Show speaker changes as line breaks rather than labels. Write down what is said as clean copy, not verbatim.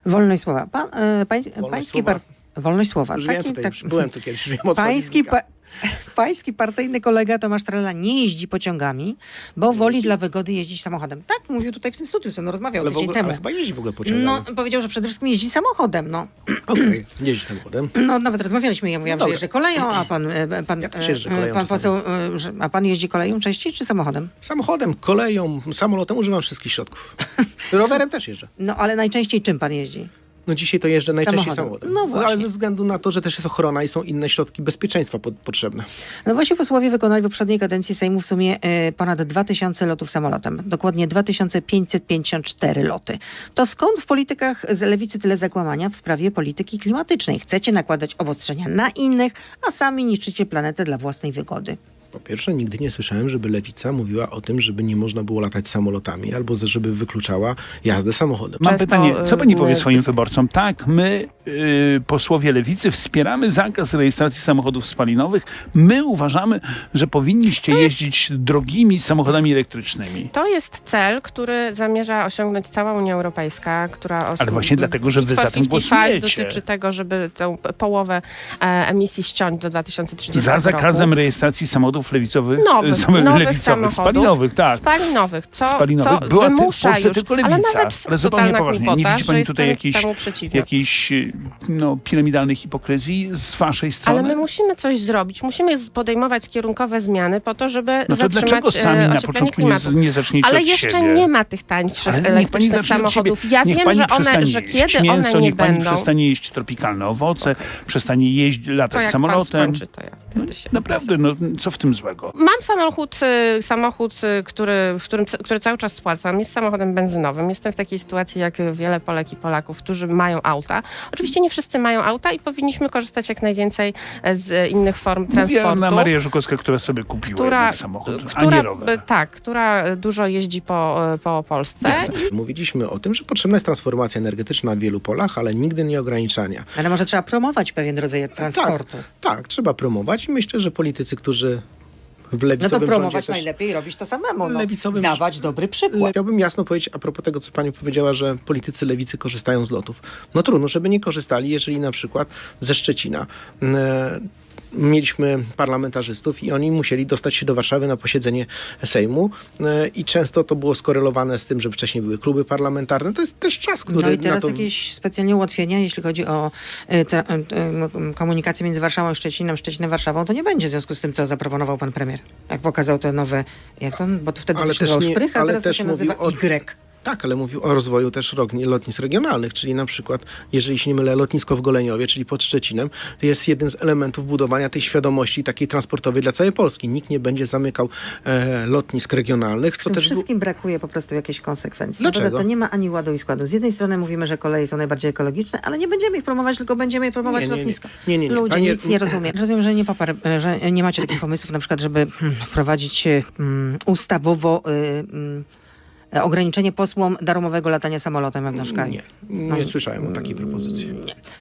Wolność słowa.
Wolność słowa?
Wolność słowa.
Już wiem tutaj, już byłem tu kiedyś, już wiem o co
Pański,
chodzi.
pański partyjny kolega Tomasz Trela nie jeździ pociągami, bo woli dla wygody jeździć samochodem. Tak, mówił tutaj w tym studiu, co rozmawiał
Ale,
tydzień
ale
temu.
chyba jeździ w ogóle pociągami.
No, powiedział, że przede wszystkim jeździ samochodem, no.
Okej, jeździ samochodem.
No, nawet rozmawialiśmy, ja mówiłam, że
Dobra.
jeżdżę koleją, a pan
Ja też jeżdżę koleją
pan
czasami.
poseł, a pan jeździ koleją częściej, czy samochodem?
Samochodem, koleją, samolotem używam wszystkich środków. Rowerem też jeżdżę.
No, ale najczęściej czym pan jeździ?
No dzisiaj to jeżdżę najczęściej
Samochodem.
samochodem.
No właśnie.
Ale ze względu na to, że też jest ochrona i są inne środki bezpieczeństwa potrzebne.
No właśnie posłowie wykonali w poprzedniej kadencji Sejmu w sumie ponad 2000 lotów samolotem. Dokładnie 2554 loty. To skąd w politykach z lewicy tyle zakłamania w sprawie polityki klimatycznej? Chcecie nakładać obostrzenia na innych, a sami niszczycie planetę dla własnej wygody.
Po pierwsze, nigdy nie słyszałem, żeby lewica mówiła o tym, żeby nie można było latać samolotami, albo żeby wykluczała jazdę samochodem.
Mam
Często,
pytanie, co pani powie
nie-
swoim wyborcom? Tak, my, posłowie lewicy, wspieramy zakaz rejestracji samochodów spalinowych. My uważamy, że powinniście jeździć drogimi samochodami elektrycznymi.
To jest cel, który zamierza osiągnąć cała Unia Europejska, która...
Ale właśnie dlatego, że wy za tym
55
głosujecie.
dotyczy tego, żeby tę połowę emisji ściąć do 2030
Za
roku.
zakazem rejestracji samochodów lewicowych,
Nowych
lewicowych,
samochodów,
spalinowych, tak.
Spalinowych, co
Spalinowych. Była w
wymusza
Polsce
już,
tylko
ale
lewica.
nawet
Ale zupełnie
totalna
poważnie. Nie
głupota,
widzi pani
że
tutaj
jestem
jakiejś
temu przeciwna.
piramidalnej hipokryzji z waszej strony?
Ale my musimy coś zrobić. Musimy podejmować kierunkowe zmiany po to, żeby
No to
zatrzymać
dlaczego sami na
ocieplenie
początku
klimatu.
nie zaczniecie
Ale
od
jeszcze
siebie?
nie ma tych tańszych
Ale niech pani
elektrycznych
zacznie od siebie.
samochodów. Ja
Niech
wiem,
pani
że
przestanie
kiedy
jeść mięso,
one nie
niech pani
będą,
przestanie jeść tropikalne owoce, przestanie jeść,
to
latać
jak pan
samolotem.
skończy, to ja wtedy się...
Naprawdę, no co w tym złego?
Mam samochód, który cały czas spłacam. Jest samochodem benzynowym. Jestem w takiej sytuacji jak wiele Polek i Polaków, którzy mają auta. Oczywiście nie wszyscy mają auta i powinniśmy korzystać jak najwięcej z innych form
Mówię
transportu.
na Marię Żukowską, która sobie kupiła jednak samochód, a nie rower.
Tak, która dużo jeździ po Polsce.
Mówiliśmy o tym, że potrzebna jest transformacja energetyczna w wielu polach, ale nigdy nie ograniczania.
Ale może trzeba promować pewien rodzaj transportu.
Tak, trzeba promować i myślę, że politycy, którzy w
No to
lewicowym
promować
rządzie też...
najlepiej robić to samemu. No.
Lewicowym-
Dawać dobry przykład.
Chciałbym jasno powiedzieć a propos tego, co pani powiedziała, że politycy lewicy korzystają z lotów. No trudno, żeby nie korzystali, jeżeli na przykład ze Szczecina mieliśmy parlamentarzystów i oni musieli dostać się do Warszawy na posiedzenie Sejmu i często to było skorelowane z tym, że wcześniej były kluby parlamentarne. To jest też czas, który
No i
na
teraz
to...
jakieś specjalnie ułatwienia, jeśli chodzi o komunikację między Warszawą i Szczecinem, Warszawą, to nie będzie w związku z tym, co zaproponował pan premier. Jak pokazał te nowe, bo to wtedy
Ale
to się nazywał
też nie-
Szprych, a
ale
teraz to
też
się
mówił
nazywa
o-
Y.
Tak, ale mówił o rozwoju też lotnisk regionalnych, czyli na przykład, jeżeli się nie mylę, lotnisko w Goleniowie, czyli pod Szczecinem, jest jednym z elementów budowania tej świadomości takiej transportowej dla całej Polski. Nikt nie będzie zamykał lotnisk regionalnych, co
W tym
też
wszystkim brakuje po prostu jakiejś konsekwencji.
Dlaczego?
Naprawdę to nie ma ani ładu i składu. Z jednej strony mówimy, że koleje są najbardziej ekologiczne, ale nie będziemy ich promować, tylko będziemy je promować lotniska.
Nie.
Ludzie
Panie-
nic nie rozumiem. Rozumiem, że nie macie takich pomysłów, na przykład, żeby wprowadzić ustawowo ograniczenie posłom darmowego latania samolotem wewnątrz kraju.
Nie słyszałem o takiej propozycji.
Nie.